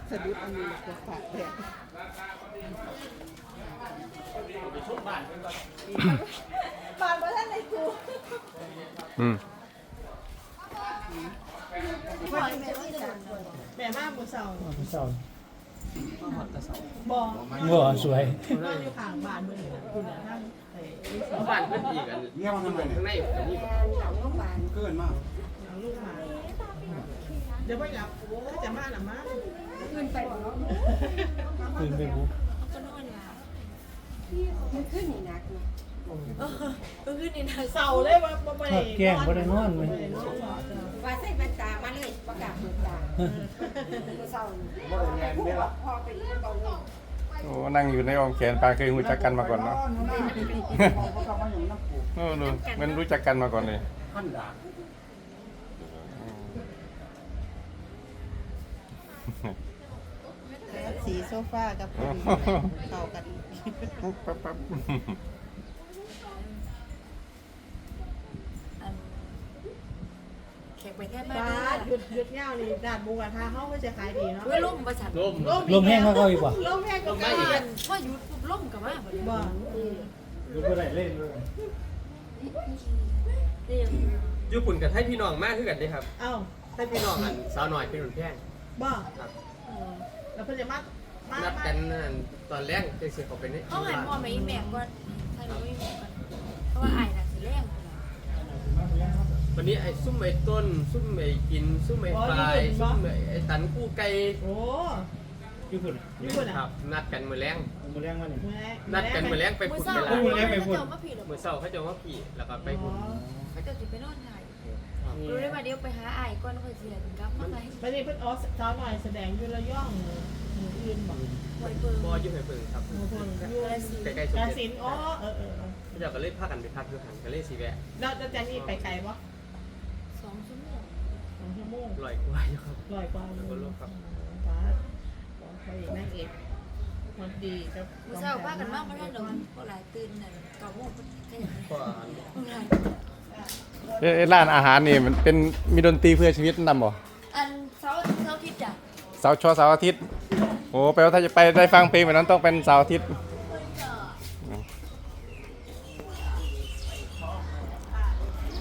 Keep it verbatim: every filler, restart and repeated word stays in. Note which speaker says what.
Speaker 1: สะดุดอันนี้ก็ฝากแดดบ้านบ้านท่านในกู
Speaker 2: อืม
Speaker 1: แม่มากมือเสา
Speaker 3: มือเสา
Speaker 1: บอ
Speaker 3: บ่สวย
Speaker 1: บ้านอยู่ข้างบ้านมือคุณน่ะท่าน
Speaker 4: บ้านเพิ่นอีกอันเงี้ยมันทำไมข้างในอันนี้หลังลูกบ้านเกินมาก
Speaker 1: หลังลูกมาเดี๋ยวไปกลับถ้าจะมาหรือมา
Speaker 5: ขึ้นไปบ่
Speaker 3: ขึ้นไปบุ
Speaker 5: ก็นอนล่ะมันขึ้นนี่นักเนาะเออมันขึ้นนี่นัก
Speaker 1: เสาเลยว่าบ่ได้
Speaker 3: แกล้งบ่ได้นอนมั้ย
Speaker 5: ว่าใส่แว่นตามาเลยบ่กล้าเปิดตาเสาบ่ได้แม่นเด้ล่ะพอไปอีกตอนนี้
Speaker 2: โอ้นั่งอยู่ในอ้อมแขนปลาเคยรู้จักกันมาก่อนเนาะโอ้ดูมันรู้จักกันมาก่อนเลย
Speaker 4: ขั้นดา
Speaker 1: สีโซฟากับเข้ากัน
Speaker 2: ปั๊บปั๊บ
Speaker 5: แขกไปแค่บ้า
Speaker 1: นหยุดหยุดเงานี่ด่านบูกระทาเขาก็จะขายดีเนาะ
Speaker 5: ล่มประชัน
Speaker 4: ล่ม
Speaker 3: ลมแห้งมาเข้าอีกบ่
Speaker 1: ลมแห้งก็มา
Speaker 5: พ่อหยุดปุ๊บล่มกับมาบ่ได้
Speaker 1: บ่
Speaker 3: อยู่บ่ได้เล่นเลย
Speaker 4: ญี่ปุ่นกับไทยพี่น้องมากขึ้นกันเลยครับ
Speaker 1: เอ้า
Speaker 4: ไทยพี่น้องอันสาวหน่อยเป็นคนแพง
Speaker 1: บ่ครับแล้วเพิ่นจะมา
Speaker 4: นัดกันตอนแรกจะเสียเขาเป็นนี่
Speaker 5: เขาหันพ่อแม่แม่ก่อนให้หนูแม่ก่อนเพราะว่าอ้ายน่ะสิแรง
Speaker 4: วันนี้ไอ้ซุ่มไอ้ต้นซุ่มไอ้กินซุ่มไอ้ปลายซุ่มไอ้ตันกู้ไก่
Speaker 1: โอ้
Speaker 3: ญี่ปุ่น
Speaker 1: ญี่ปุ่น
Speaker 4: ครับนัดกันมื้อแรง
Speaker 3: มื้อแรงมานี่
Speaker 4: นัดกันมื้อแรงไปพุ่นเวลา
Speaker 3: มื้อแรงไปพุ่น
Speaker 4: มื้อเช้าเขาจะว่าพี่แล้วก็ไปพุ่น
Speaker 5: เขาจะสิไปนอนถ่ายรู้ได้ว่าเดี๋ยวไปหาอ้ายก่อนค่อยสิถึงกลับมาไง
Speaker 1: บัดนี้เพิ่นออสซาวหน่อยแสดงอยู่ระยองมื้ออื่นบ่
Speaker 5: หวยเบิ่ง
Speaker 4: บ่อยู่หวยเบิ่งครับ
Speaker 1: ใกล้ๆสุดกาฬสินธุ์อ๋อเออๆ
Speaker 4: เขาเจ้าก็เลยพากันไปพักอยู่หั่นก็เลยสิแวะ
Speaker 1: แล้วจะนี่ไปไกลบ่
Speaker 5: สองชั่วโมง
Speaker 1: สองชั่วโมง
Speaker 4: ร้อยกว่าอยู่ครับ
Speaker 1: ร้อยกว่าอยู่ครับฟ้าไปนางเอกคนดีครับ
Speaker 5: มื้อเช้าพากันมาบ่ทันดอกบ่หลายตื่นนั่นเก้าโมงเพิ่นก็ยัง
Speaker 4: ก็
Speaker 2: เอ้ร้านอาหารนี่มันเป็นมีดนตรีเพื่อชีวิตนำบ่
Speaker 5: อันเสาร์เสาร์อาทิตย์จ้ะ
Speaker 2: เสาร์ชอเสาร์อาทิตย์โอ้แปลว่าถ้าจะไปได้ฟังเพลงแบบนั้นต้องเป็นเสาร์อาทิตย์